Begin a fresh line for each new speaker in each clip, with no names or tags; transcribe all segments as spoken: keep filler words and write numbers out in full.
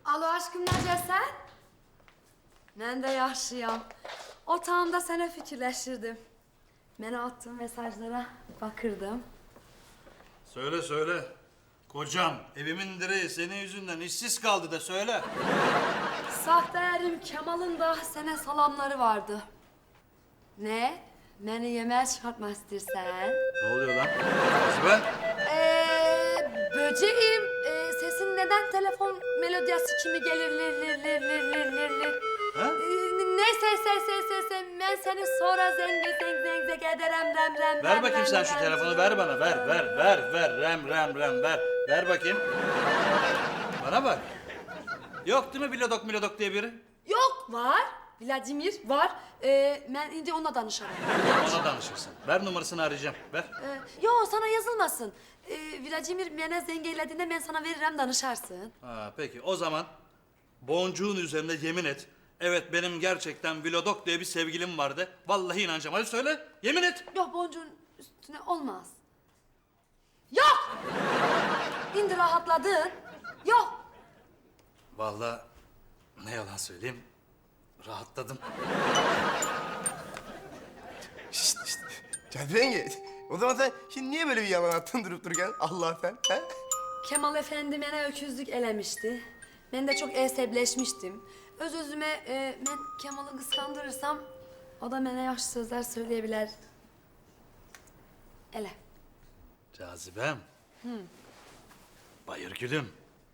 Alo aşkım, necəsən? Mən də yaxşıyam. Otağımda sənə fikirləşirdim. Mənə attığın mesajlara bakırdım.
Söyle söyle. Kocam evimin direği senin yüzünden işsiz kaldı da söyle.
Sahte erim Kemal'ın da sənə salamları vardı. Ne? Beni yemeğe çıkartmak istersen?
Ne oluyor lan? Cazibe?
Ee, böceğim. Ee, sesin neden telefon melodiyası kimi gelir lir lir lir lir lir lir lir.
Ha?
Ee, neyse se se se se ben seni sonra zenge zeng zeng zeng ederem rem rem
Ver
rem,
bakayım
rem,
sen şu
rem,
telefonu
rem.
ver bana ver ver ver ver rem rem rem ver. Ver bakayım. Bana bak. Yok değil mi Bilodok Milodok diye biri?
Yok var. Vladimir var. Ee, ben indi onunla danışarım.
Ona danışırsın. Ver numarasını arayacağım. Ver.
Ee, yo sana yazılmasın. Ee, Vladimir bana zengeylediğinde ben sana veririm danışarsın.
Ha, peki o zaman boncuğun üzerinde yemin et. Evet benim gerçekten Vilodok diye bir sevgilim vardı. Vallahi inanacağım. Hadi söyle. Yemin et.
Yok boncuğun üstüne olmaz. Yok! İndi rahatladın. Yok.
Vallahi ne yalan söyleyeyim. Rahatladım.
Şşt şşt. Cazibe yenge. O zaman sen şimdi niye böyle bir yalan attın durup dururken? Allah sen. He?
Kemal Efendi bana öküzlük elemişti. Ben de çok esebleşmiştim. Öz özüme e, ben Kemal'ı kıskandırırsam o da bana yaş sözler söyleyebilir. Ele.
Cazibem. Bayır gülüm.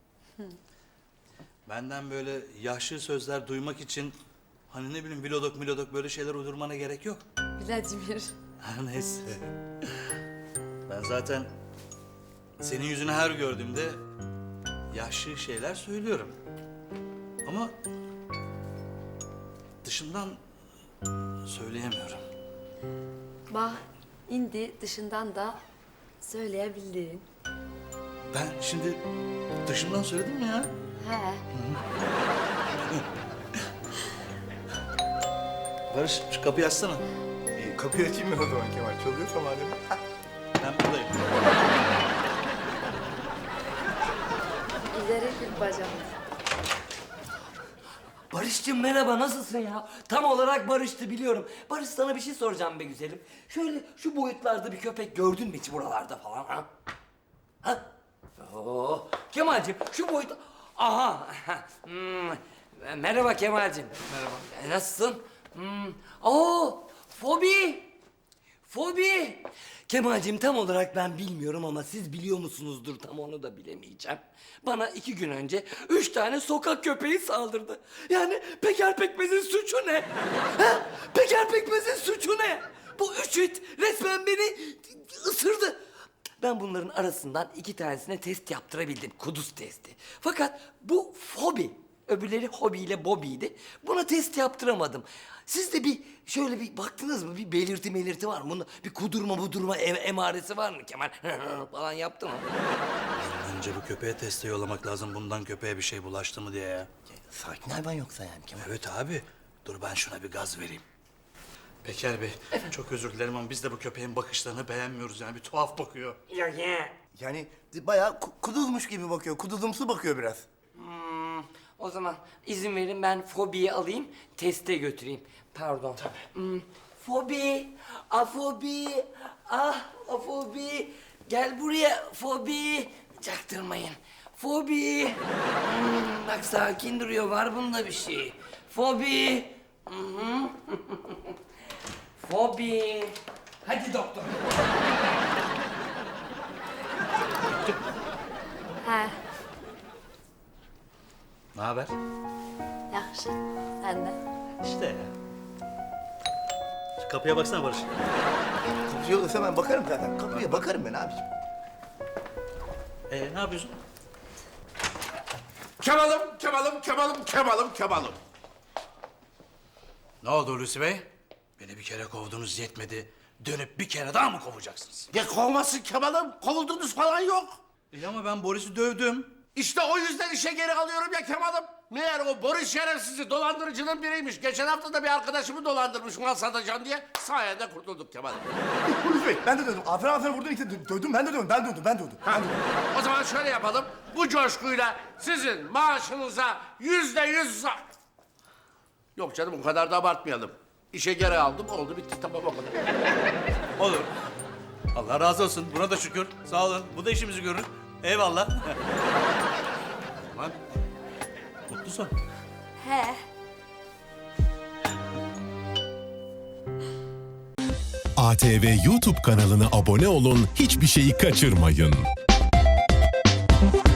Benden böyle yaşlı sözler duymak için hani ne bileyim Vilodok Milodok böyle şeyler uydurmana gerek yok.
Vladimir.
Ha, neyse. Ben zaten senin yüzünü her gördüğümde yaşlı şeyler söylüyorum. Ama dışından söyleyemiyorum.
Bak indi dışından da söyleyebildin.
Ben şimdi dışından söyledim mi ya?
He.
Barış şu kapıyı açsana.
E, kapıyı açayım mı o zaman Kemal? Çalıyorsa madem. Hah.
Ben buradayım.
İleri bir bacak.
Barış'cığım merhaba, nasılsın ya? Tam olarak Barış'tı biliyorum. Barış, sana bir şey soracağım be güzelim. Şöyle şu boyutlarda bir köpek gördün mü hiç buralarda falan ha? Ha? Oo, Kemal'cim şu boyut... Aha! Hmm, merhaba Kemal'cim. Merhaba. E, nasılsın? Hmm. Oo, fobi! Fobi! Kemal'cim tam olarak ben bilmiyorum ama siz biliyor musunuzdur, tam onu da bilemeyeceğim. Bana iki gün önce üç tane sokak köpeği saldırdı. Yani Peker Pekmez'in suçu ne? Ha? Peker Pekmez'in suçu ne? Bu üç it resmen beni ısırdı. Ben bunların arasından iki tanesine test yaptırabildim. Kuduz testi. Fakat bu fobi. Öbürleri hobiyle bobiydi. Buna test yaptıramadım. Siz de bir şöyle bir baktınız mı? Bir belirti melirti var mı? Bunda bir kudurma budurma em emaresi var mı Kemal? falan yaptı mı?
Önce bu köpeğe teste yollamak lazım. Bundan köpeğe bir şey bulaştı mı diye ya.
Sakin hayvan yoksa yani Kemal.
Evet abi. Dur ben şuna bir gaz vereyim. Peker Bey, çok özür dilerim ama biz de bu köpeğin bakışlarını beğenmiyoruz. Yani bir tuhaf bakıyor.
Ya ya.
Yani bayağı ku- kuduzmuş gibi bakıyor. Kuduzumsu bakıyor biraz.
Hmm, o zaman izin verin ben fobiyi alayım, teste götüreyim. Pardon. Tabii. Hmm, fobi, afobi, ah afobi. Gel buraya fobi. Çaktırmayın. Fobi. Hmm, bak sakin duruyor, var bunda bir şey. Fobi. Hı hı. Fobi. Hadi doktor.
He.
Ne haber?
Yaxşı. Sen de.
İşte ya. Şu kapıya baksana Barış.
Kapıcı olursa ben bakarım zaten. Kapıya bakarım ben abiciğim.
Ee, ne yapıyorsun?
Kemal'im, Kemal'im, Kemal'im, Kemal'im, Kemal'im.
Ne oldu Hulusi Bey? Beni bir kere kovdunuz yetmedi. Dönüp bir kere daha mı kovacaksınız?
Ya kovmasın Kemal'im, kovuldunuz falan yok.
İyi ama ben Boris'i dövdüm.
İşte o yüzden işe geri alıyorum ya Kemal'im. Meğer o Boris şerefsizi dolandırıcının biriymiş. Geçen hafta da bir arkadaşımı dolandırmış mal satacağım diye. Sayende kurtulduk Kemal'im.
Polis bey ben de dövdüm. Aferin aferin vurdun işte dö- dövdüm ben de dövdüm. Ben dövdüm ben dövdüm. Ben dövdüm.
O zaman şöyle yapalım. Bu coşkuyla sizin maaşınıza yüzde yüz... za- Yok canım o kadar da abartmayalım. İşe geri aldım oldu bitti tamam o kadar.
Olur. Allah razı olsun. Buna da şükür. Sağ olun. Bu da işimizi görür. Eyvallah. Lan. Mutlu son.
He.
A T V YouTube kanalına abone olun, hiçbir şeyi kaçırmayın.